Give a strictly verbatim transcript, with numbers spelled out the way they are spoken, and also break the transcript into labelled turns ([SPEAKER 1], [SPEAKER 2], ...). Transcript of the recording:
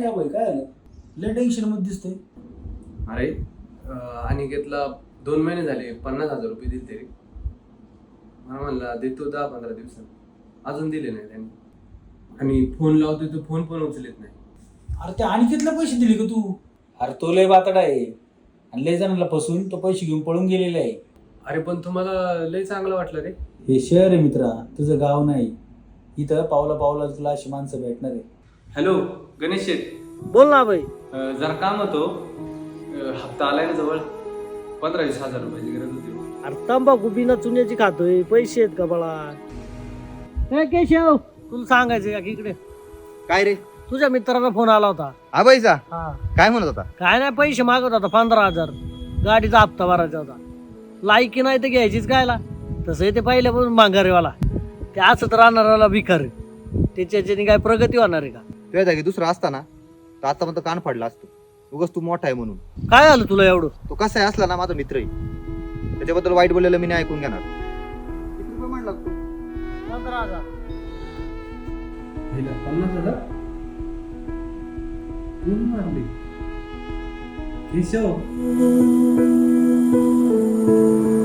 [SPEAKER 1] घ्या भाई, काय आलं लय टेन्शन मध्ये दिसतंय.
[SPEAKER 2] अरे अनिकेतला दोन महिने झाले पन्नास हजार रुपये दिले तरी मला म्हणला देतो दहा पंधरा दिवसात अजून दिले नाही त्यांनी. आणि फोन लावतोय तो फोन पण उचलत नाही.
[SPEAKER 1] अरे त्या अनिकेतला पैसे दिले का तू? अरे तो लय बातडा आहे आणि लय जणांना फसवून तो पैसे घेऊन पळून गेलेला आहे.
[SPEAKER 2] अरे पण तुम्हाला लय चांगलं वाटलं रे.
[SPEAKER 1] हे शहर आहे मित्रा, तुझं गाव नाही. इथं पावला पावला तुला अशी माणसं भेटणार आहे.
[SPEAKER 2] हॅलो गणेश शेठ,
[SPEAKER 3] बोल ना भाई.
[SPEAKER 2] अं, जरा काम होतो. अं, हप्ता आलाय ना जवळ, पंधरा वीस हजार रुपयाची गरज होती.
[SPEAKER 3] अरे तंबाखू बिना चुन्याची खातोय, पैसे आहेत का बाळा? ए केशव, तुला सांगायचं का की इकडे
[SPEAKER 4] काय रे?
[SPEAKER 3] तुझ्या मित्राचा फोन आला होता.
[SPEAKER 4] आबाईचा
[SPEAKER 3] हा,
[SPEAKER 4] काय म्हणत होता?
[SPEAKER 3] काय नाही पैसे मागत होता पंधरा हजार गाडीचा हप्ता भरायचा होता. लायकी नाही तर घ्यायचीच कायला. तसं ते पहिल्यापासून माघारीवाला, ते असंच राहणाऱ्याला भिकार. त्याच्याने काय प्रगती होणार आहे का?
[SPEAKER 4] तुझ्या जागी दुसरा असता ना तर आता पण कान फाडला असतो. उगाच तू मोठा आहे म्हणून.
[SPEAKER 3] काय झालं तुला एवढं?
[SPEAKER 4] तो कसा आहे असला ना माझा मित्र आहे, त्याच्याबद्दल वाईट बोललेलं मी नाही ऐकून घेणार. किती रुपये म्हणला तू?
[SPEAKER 3] पंधरा हजार.
[SPEAKER 2] पन्नास हजार कोण मारले? केशव